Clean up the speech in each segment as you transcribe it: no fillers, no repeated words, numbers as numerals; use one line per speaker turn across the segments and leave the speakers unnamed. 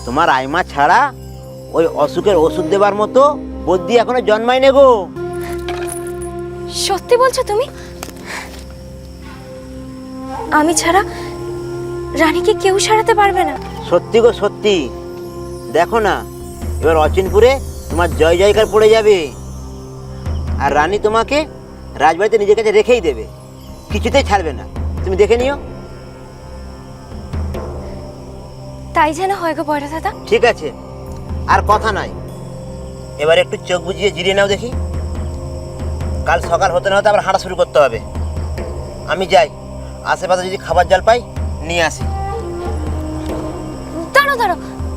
তোমার আইমা ছাড়া ওই অসুখের ওষুধ দেবার মতো বুদ্ধি এখনো জন্মায়নি গো।
সত্যি বলছো তুমি? আমি ছাড়া রানীকে কেউ সারাতে পারবে না?
সত্যি গো সত্যি। দেখো না, এবার অচিনপুরে তোমার জয় জয়কার পড়ে যাবে, আর রানী তোমাকে রাজবাড়িতে নিজের কাছে রেখেই দেবে, কিছুতেই ছাড়বে না। তুমি দেখে নিও।
তাই যেন হয় গো বড় দাদা।
ঠিক আছে, আর কথা নাই, এবার একটু চোখ বুজিয়ে জিরিয়ে নাও দেখি। কাল সকাল হতে না হতে আবার হাঁটা শুরু করতে হবে। আমি যাই, আশেপাশে যদি খাবার জল পাই নিয়ে আসি।
দাঁড়ো দাঁড়ো,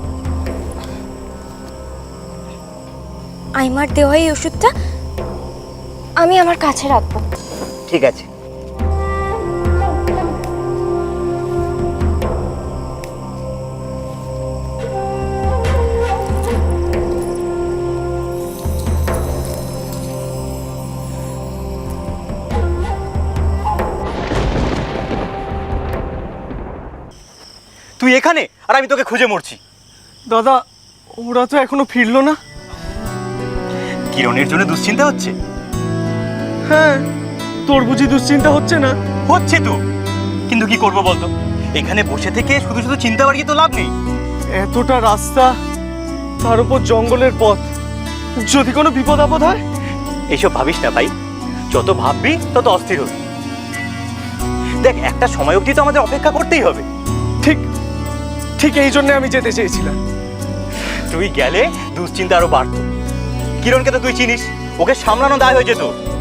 আইমার দেওয়া এই ওষুধটা আমি আমার কাছে রাখবো।
ঠিক আছে।
তুই এখানে আর আমি তোকে খুঁজে মরছি।
দাদা, ওরা তো এখনো ফিরলো না।
কিরণের জন্য দুশ্চিন্তা হচ্ছে?
হ্যাঁ, তোর বুঝি দুশ্চিন্তা হচ্ছে না?
হচ্ছে তো, কিন্তু কি করবো বলতো? এখানে বসে থেকে শুধু শুধু চিন্তা বাড়িয়ে তো লাভ নেই।
এতটা রাস্তা, তার উপর জঙ্গলের পথ, যদি কোনো বিপদ আপদ হয়?
এইসব ভাবিস না ভাই, যত ভাববি তত অস্থির হবি। দেখ, একটা সময় অবধি তো আমাদের অপেক্ষা করতেই হবে।
ঠিক ঠিক এই জন্য আমি যেতে চেয়েছিলাম।
তুই গেলে দুশ্চিন্তা আরো বাড়তো। কিরণকে তো তুই চিনিস, ওকে সামলানো দায় হয়ে যেত।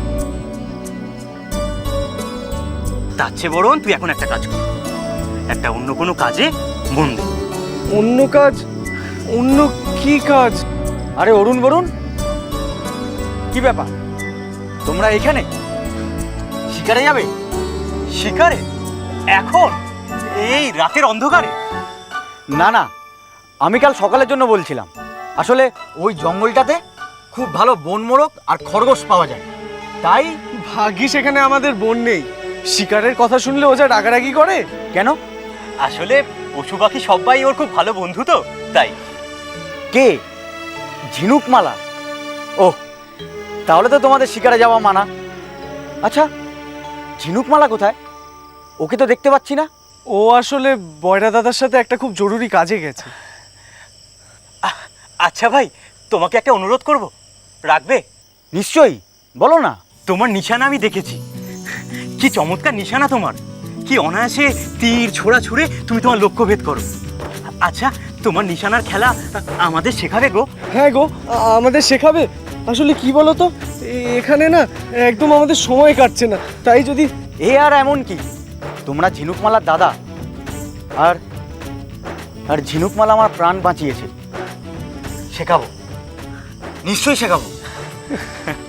তার চেয়ে বরং তুই এখন একটা কাজ কর, একটা অন্য কোনো কাজে মন দে।
অন্য কাজ? অন্য কি কাজ?
আরে অরুণ বরুণ, কি ব্যাপার তোমরা এখানে? শিকারে যাবে?
শিকারে? এখন এই রাতের অন্ধকারে?
না না, আমি কাল সকালের জন্য বলছিলাম। আসলে ওই জঙ্গলটাতে খুব ভালো বনমোরগ আর খরগোশ পাওয়া যায়, তাই।
ভাগ্যিস এখানে আমাদের বোন নেই, শিকারের কথা শুনলে ও যা রাগারাগি করে।
কেন?
আসলে পশু পাখি সবাই ওর খুব ভালো বন্ধু তো, তাই।
কে? ঝিনুকমালা? ও, তাহলে তো তোমাদের শিকারে যাওয়া মানা। আচ্ছা, ঝিনুকমালা কোথায়? ওকে তো দেখতে পাচ্ছি না।
ও আসলে বয়রা দাদার সাথে একটা খুব জরুরি কাজে গেছে।
আচ্ছা ভাই, তোমাকে একটা অনুরোধ করব, রাখবে?
নিশ্চয়ই, বলো না।
তোমার নিশানা আমি দেখেছি, কি চমৎকার নিশানা তোমার। কি অনায়াসে তীর ছোড়া ছুড়ে তুমি তোমার লক্ষ্যভেদ করো। আচ্ছা, তোমার নিশানার খেলা আমাদের শেখাবে গো?
হ্যাঁ গো, আমাদের শেখাবে। আসলে কি বলো তো, এখানে না একদম আমাদের সময় কাটছে না, তাই যদি।
এ আর এমন কি, তোমরা ঝিনুকমালার দাদা, আর আর ঝিনুকমালা আমার প্রাণ বাঁচিয়েছে। শেখাবো, নিশ্চয়ই শেখাবো।